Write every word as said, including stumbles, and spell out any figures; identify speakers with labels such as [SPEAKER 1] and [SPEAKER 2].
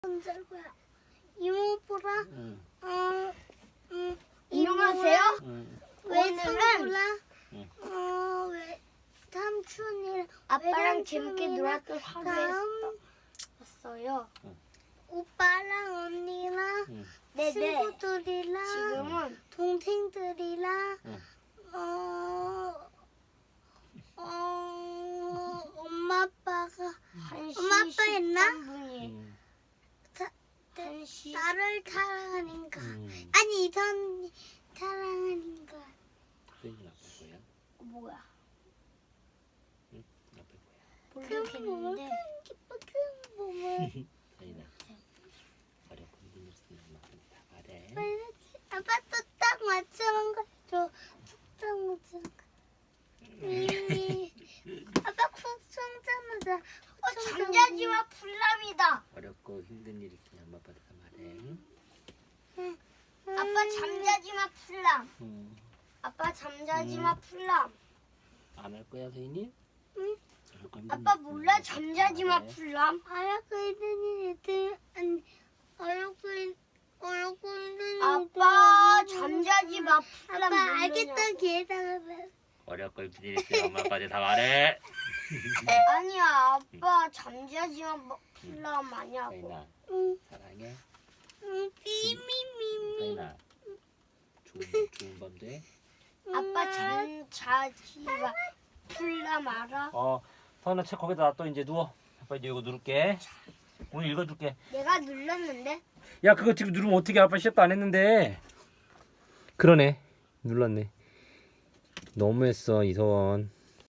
[SPEAKER 1] 언제 거야? 이모부라.
[SPEAKER 2] 응.
[SPEAKER 1] 어, 음,
[SPEAKER 3] 안녕하세요.
[SPEAKER 2] 응.
[SPEAKER 1] 외삼부라.
[SPEAKER 2] 응.
[SPEAKER 1] 어, 외 삼촌이랑
[SPEAKER 3] 아빠랑 재밌게
[SPEAKER 1] 외삼촌이랑
[SPEAKER 3] 놀았던 하루에
[SPEAKER 1] 다음
[SPEAKER 3] 왔어요.
[SPEAKER 1] 오빠랑 언니랑
[SPEAKER 2] 응.
[SPEAKER 3] 네네.
[SPEAKER 1] 친구들이랑
[SPEAKER 3] 지금은
[SPEAKER 1] 동생들이랑
[SPEAKER 2] 응.
[SPEAKER 1] 어, 어, 엄마 아빠가
[SPEAKER 3] 한 시
[SPEAKER 1] 엄마 아빠 했나?
[SPEAKER 3] 십삼 분이
[SPEAKER 2] 응.
[SPEAKER 3] 한 시
[SPEAKER 1] 나를 사랑하는가?
[SPEAKER 2] 응.
[SPEAKER 1] 아니 이선 사랑하는가?
[SPEAKER 2] 수인이 아빠 거야?
[SPEAKER 3] 뭐야?
[SPEAKER 2] 응? 아빠 거야.
[SPEAKER 1] 큰 몸을
[SPEAKER 3] 모르겠는데
[SPEAKER 1] 큰 기뻐 큰 몸을
[SPEAKER 2] 수인아. 어렵고 힘든 일 있으면 엄마한테 다 말해.
[SPEAKER 1] 아빠 또 딱 맞추는 거 줘. 딱 맞추는 거. 이 아빠 쿡 청자마자
[SPEAKER 3] 어, 잠자지마 풀람이다.
[SPEAKER 2] 어렵고 힘든 일 있으면 엄마 아빠한테 다 말해. 응?
[SPEAKER 3] 아빠 잠자지마 풀람.
[SPEAKER 2] 응.
[SPEAKER 3] 아빠 잠자지마
[SPEAKER 2] 음.
[SPEAKER 3] 풀람.
[SPEAKER 2] 안 할 거야 수인이?
[SPEAKER 1] 응.
[SPEAKER 2] 어렵고 힘든
[SPEAKER 3] 아빠
[SPEAKER 2] 일 있으면
[SPEAKER 3] 몰라
[SPEAKER 2] 엄마한테 다
[SPEAKER 3] 잠자지마
[SPEAKER 2] 말해.
[SPEAKER 3] 풀람.
[SPEAKER 1] 어렵고 있는 일들 아니 어렵고 있- 어렵고 있는
[SPEAKER 3] 아빠
[SPEAKER 1] 일들.
[SPEAKER 3] 잠자지마 풀람.
[SPEAKER 1] 아빠
[SPEAKER 3] 모르냐.
[SPEAKER 1] 알겠다 기다려.
[SPEAKER 2] 어렵고 힘든 일 있으면 엄마 아빠한테 다 말해.
[SPEAKER 3] 아니야 아빠 잠자지마 뭐 풀람 아니야고.
[SPEAKER 2] 수인아
[SPEAKER 1] 응.
[SPEAKER 2] 사랑해.
[SPEAKER 1] 응. 미미미미.
[SPEAKER 2] 수인아 좋은 좋은 밤 돼.
[SPEAKER 3] 아빠 잠자지마 풀람 알아?
[SPEAKER 2] 어, 서은아 책 거기다 놔둬. 이제 누워. 아빠 이제 이거 누를게. 오늘 읽어줄게.
[SPEAKER 3] 내가 눌렀는데.
[SPEAKER 2] 야, 그거 지금 누르면 어떻게? 아빠 시작도 안 했는데. 그러네. 눌렀네. 너무했어 이서원.